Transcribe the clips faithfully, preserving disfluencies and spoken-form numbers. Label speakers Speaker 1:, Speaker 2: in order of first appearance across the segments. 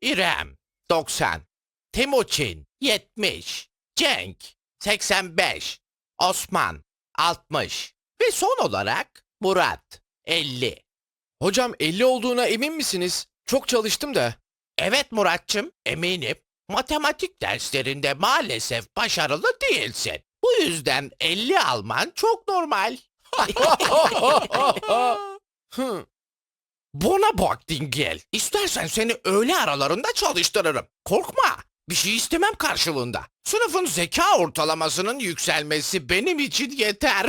Speaker 1: İrem doksan, Timuçin yetmiş, Cenk seksen beş, Osman altmış ve son olarak Murat elli.
Speaker 2: Hocam elli olduğuna emin misiniz? Çok çalıştım da.
Speaker 1: Evet Muratçım, eminim. Matematik derslerinde maalesef başarılı değilsin. Bu yüzden elli alman çok normal.
Speaker 2: Hı.
Speaker 1: Buna bak Dingil. İstersen seni öğle aralarında çalıştırırım. Korkma. Bir şey istemem karşılığında. Sınıfın zeka ortalamasının yükselmesi benim için yeter.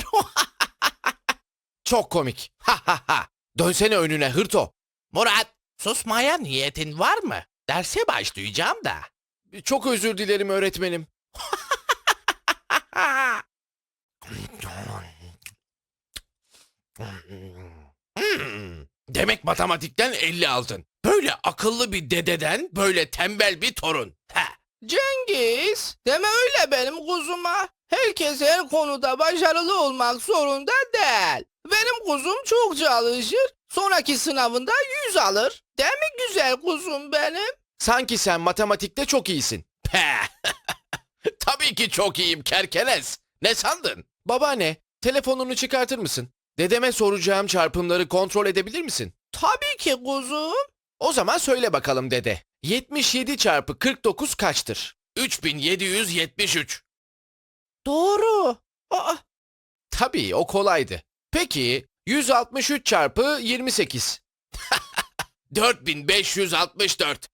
Speaker 2: Çok komik. Ha ha ha. Dönsene önüne hırto.
Speaker 1: Murat, susmaya niyetin var mı? Derse başlayacağım da.
Speaker 2: Çok özür dilerim öğretmenim.
Speaker 1: Hmm, demek matematikten elli aldın. Böyle akıllı bir dededen böyle tembel bir torun. Ha.
Speaker 3: Cengiz, deme öyle benim kuzuma. Herkes her konuda başarılı olmak zorunda değil. Benim kuzum çok çalışır, sonraki sınavında yüz alır. Değil mi güzel kuzum benim?
Speaker 2: Sanki sen matematikte çok iyisin.
Speaker 1: Peh. Tabii ki çok iyiyim kerkenes. Ne sandın?
Speaker 2: Babaanne, telefonunu çıkartır mısın? Dedeme soracağım çarpımları kontrol edebilir misin?
Speaker 3: Tabii ki kuzum.
Speaker 2: O zaman söyle bakalım dede. yetmiş yedi çarpı kırk dokuz kaçtır?
Speaker 1: üç bin yedi yüz yetmiş üç.
Speaker 3: Doğru. Aa,
Speaker 2: Tabii o kolaydı. Peki yüz altmış üç çarpı yirmi sekiz?
Speaker 1: dört bin beş yüz altmış dört.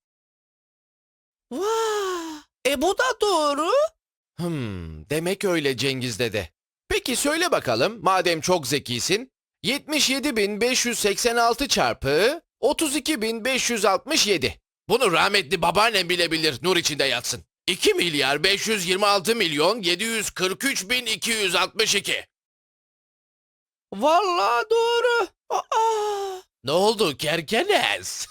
Speaker 3: vah. E bu da doğru.
Speaker 2: Hmm, demek öyle Cengiz dede. Peki söyle bakalım madem çok zekisin. yetmiş yedi bin beş yüz seksen altı çarpı otuz iki bin beş yüz altmış yedi.
Speaker 1: Bunu rahmetli babaannem bile bilir, nur içinde yatsın. iki milyar beş yüz yirmi altı milyon yedi yüz kırk üç bin iki yüz altmış iki.
Speaker 3: Vallahi doğru. Aa.
Speaker 1: Ne oldu kerkenes?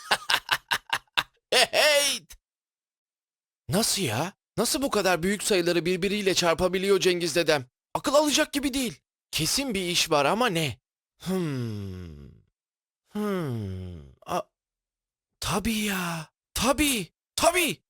Speaker 1: Hey!
Speaker 2: Nasıl ya? Nasıl bu kadar büyük sayıları birbiriyle çarpabiliyor Cengiz dedem? Akıl alacak gibi değil. Kesin bir iş var ama ne? Hmm. Hmm. A tabii ya. Tabii. Tabii.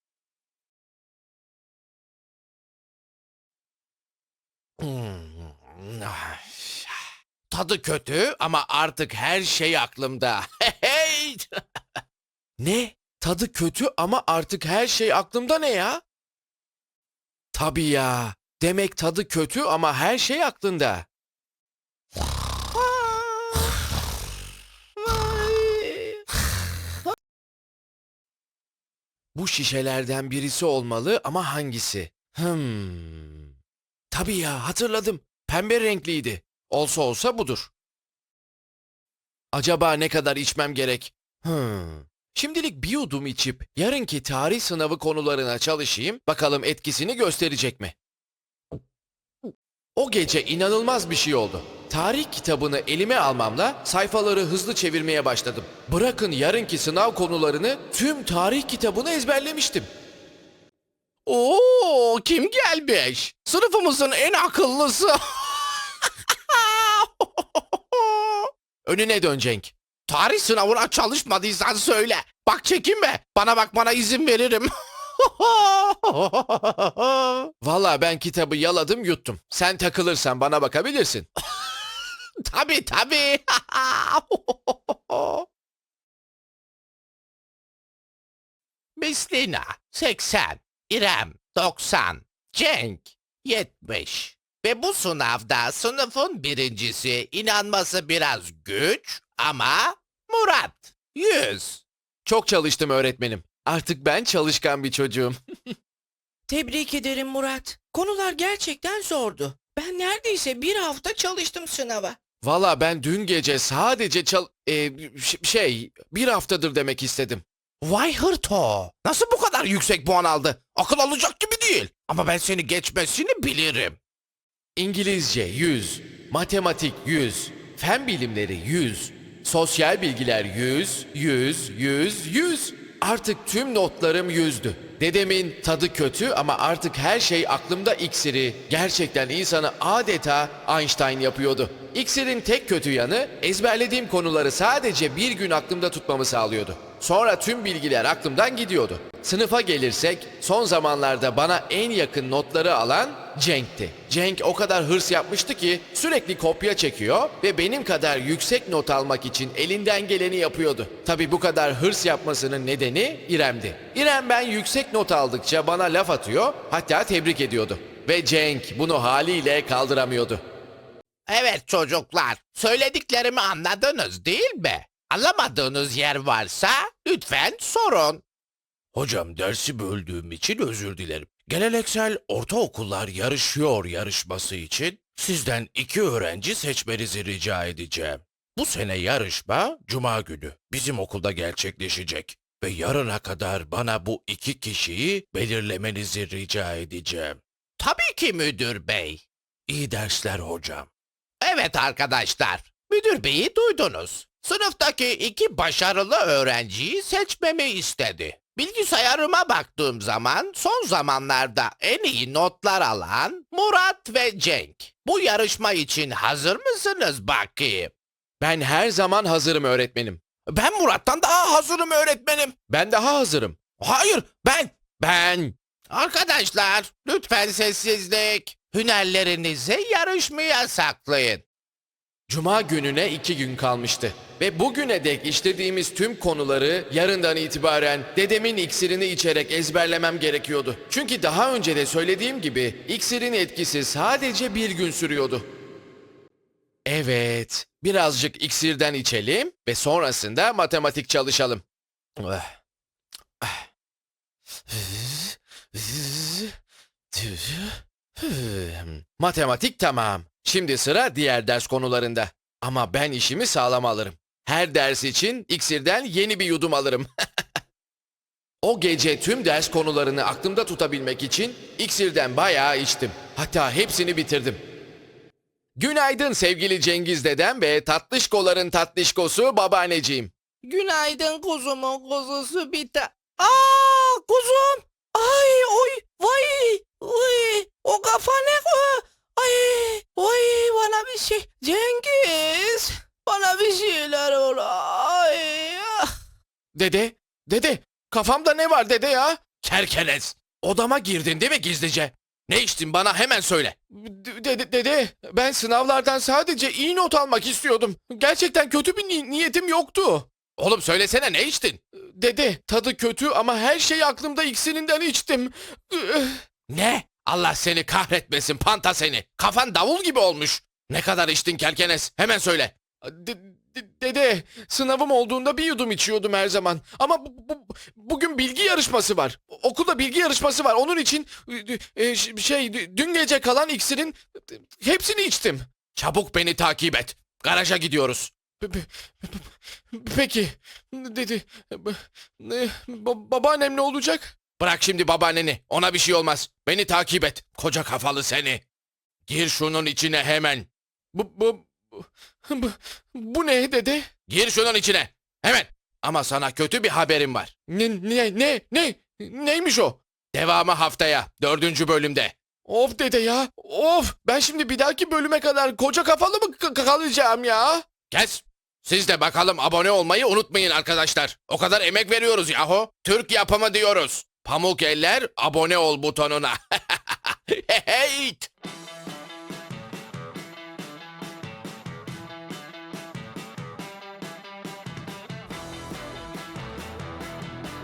Speaker 1: Hmm. Ah. Tadı kötü ama artık her şey aklımda. Hey!
Speaker 2: Ne? Tadı kötü ama artık her şey aklımda ne ya? Tabii ya. Demek tadı kötü ama her şey aklında.
Speaker 3: Vay.
Speaker 2: Bu şişelerden birisi olmalı ama hangisi? Hmm. Tabii ya hatırladım. Pembe renkliydi. Olsa olsa budur. Acaba ne kadar içmem gerek? Hmm. Şimdilik bir yudum içip yarınki tarih sınavı konularına çalışayım. Bakalım etkisini gösterecek mi? O gece inanılmaz bir şey oldu. Tarih kitabını elime almamla sayfaları hızlı çevirmeye başladım. Bırakın yarınki sınav konularını, tüm tarih kitabını ezberlemiştim.
Speaker 1: Oo, kim gelmiş? Sınıfımızın en akıllısı.
Speaker 2: Önüne dön Cenk.
Speaker 1: Tarih sınavına çalışmadıysan söyle. Bak çekinme. Bana bakmana izin veririm.
Speaker 2: Vallahi ben kitabı yaladım yuttum. Sen takılırsan bana bakabilirsin.
Speaker 1: Tabii tabii. Mislina seksen, İrem doksan, Cenk yetmiş. Ve bu sınavda sınıfın birincisi, inanması biraz güç ama Murat yüz.
Speaker 2: Çok çalıştım öğretmenim. Artık ben çalışkan bir çocuğum.
Speaker 3: Tebrik ederim Murat. Konular gerçekten zordu. Ben neredeyse bir hafta çalıştım sınava.
Speaker 2: Valla ben dün gece sadece çal... e, ş- şey, bir haftadır demek istedim.
Speaker 1: Vay hırto. Nasıl bu kadar yüksek puan aldı? Akıl alacak gibi değil. Ama ben seni geçmesini bilirim.
Speaker 2: İngilizce yüz, matematik yüz, fen bilimleri yüz, sosyal bilgiler yüz, yüz, yüz, yüz. Artık tüm notlarım yüzdü. Dedemin tadı kötü ama artık her şey aklımda iksiri gerçekten insanı adeta Einstein yapıyordu. İksirin tek kötü yanı ezberlediğim konuları sadece bir gün aklımda tutmamı sağlıyordu. Sonra tüm bilgiler aklımdan gidiyordu. Sınıfa gelirsek son zamanlarda bana en yakın notları alan Cenk'ti. Cenk o kadar hırs yapmıştı ki sürekli kopya çekiyor ve benim kadar yüksek not almak için elinden geleni yapıyordu. Tabii bu kadar hırs yapmasının nedeni İrem'di. İrem ben yüksek not aldıkça bana laf atıyor, hatta tebrik ediyordu. Ve Cenk bunu haliyle kaldıramıyordu.
Speaker 1: Evet çocuklar, söylediklerimi anladınız değil mi? Anlamadığınız yer varsa lütfen sorun. Hocam dersi böldüğüm için özür dilerim. Geleneksel ortaokullar yarışıyor yarışması için sizden iki öğrenci seçmenizi rica edeceğim. Bu sene yarışma Cuma günü bizim okulda gerçekleşecek. Ve yarına kadar bana bu iki kişiyi belirlemenizi rica edeceğim. Tabii ki müdür bey. İyi dersler hocam. Evet arkadaşlar, müdür beyi duydunuz. Sınıftaki iki başarılı öğrenciyi seçmemi istedi. Bilgisayarıma baktığım zaman son zamanlarda en iyi notlar alan Murat ve Cenk. Bu yarışma için hazır mısınız bakayım?
Speaker 2: Ben her zaman hazırım öğretmenim.
Speaker 1: Ben Murat'tan daha hazırım öğretmenim.
Speaker 2: Ben daha hazırım.
Speaker 1: Hayır, ben.
Speaker 2: Ben...
Speaker 1: Arkadaşlar, lütfen sessizlik. Hünerlerinizi yarışmaya saklayın.
Speaker 2: Cuma gününe iki gün kalmıştı. Ve bugüne dek işlediğimiz tüm konuları yarından itibaren dedemin iksirini içerek ezberlemem gerekiyordu. Çünkü daha önce de söylediğim gibi iksirin etkisi sadece bir gün sürüyordu. Evet, birazcık iksirden içelim ve sonrasında matematik çalışalım. Matematik tamam. Şimdi sıra diğer ders konularında. Ama ben işimi sağlam alırım. Her ders için iksirden yeni bir yudum alırım. O gece tüm ders konularını aklımda tutabilmek için iksirden bayağı içtim. Hatta hepsini bitirdim. Günaydın sevgili Cengiz dedem ve tatlışkoların tatlışkosu babaanneciğim.
Speaker 3: Günaydın kuzumun kuzusu bir ta... Aa kuzum! Ay oy vay! Uy, o kafa ne o? Ay oy bana bir şey. Cengiz! Bana bir şeyler ol. Ay ah.
Speaker 2: Dede, dede, kafamda ne var dede ya?
Speaker 1: Kerkenes, odama girdin değil mi gizlice? Ne içtin bana hemen söyle.
Speaker 2: D- Dede, dede, ben sınavlardan sadece iyi not almak istiyordum. Gerçekten kötü bir ni- niyetim yoktu.
Speaker 1: Oğlum söylesene ne içtin?
Speaker 2: Dede, tadı kötü ama her şeyi aklımda iksirinden içtim.
Speaker 1: Ne? Allah seni kahretmesin panta seni. Kafan davul gibi olmuş. Ne kadar içtin Kerkenes? Hemen söyle.
Speaker 2: De- de- dede, sınavım olduğunda bir yudum içiyordum her zaman. Ama bu- bu- bugün bilgi yarışması var. Okulda bilgi yarışması var. Onun için e, ş- şey dün gece kalan iksirin hepsini içtim.
Speaker 1: Çabuk beni takip et. Garaja gidiyoruz.
Speaker 2: Pe- pe- pe- Peki, dedi. Ba- ba- Babaannem ne olacak?
Speaker 1: Bırak şimdi babaanneni. Ona bir şey olmaz. Beni takip et. Koca kafalı seni. Gir şunun içine hemen.
Speaker 2: Bu, bu, bu, bu ne dede?
Speaker 1: Gir şunun içine. Hemen. Ama sana kötü bir haberim var.
Speaker 2: Ne, ne, ne, ne? Neymiş o?
Speaker 1: Devamı haftaya. Dördüncü bölümde.
Speaker 2: Of dede ya. Of, ben şimdi bir dahaki bölüme kadar koca kafalı mı k- kalacağım ya?
Speaker 1: Kes. Siz de bakalım abone olmayı unutmayın arkadaşlar. O kadar emek veriyoruz yahu. Türk yapımı diyoruz. Pamuk eller abone ol butonuna. Hey!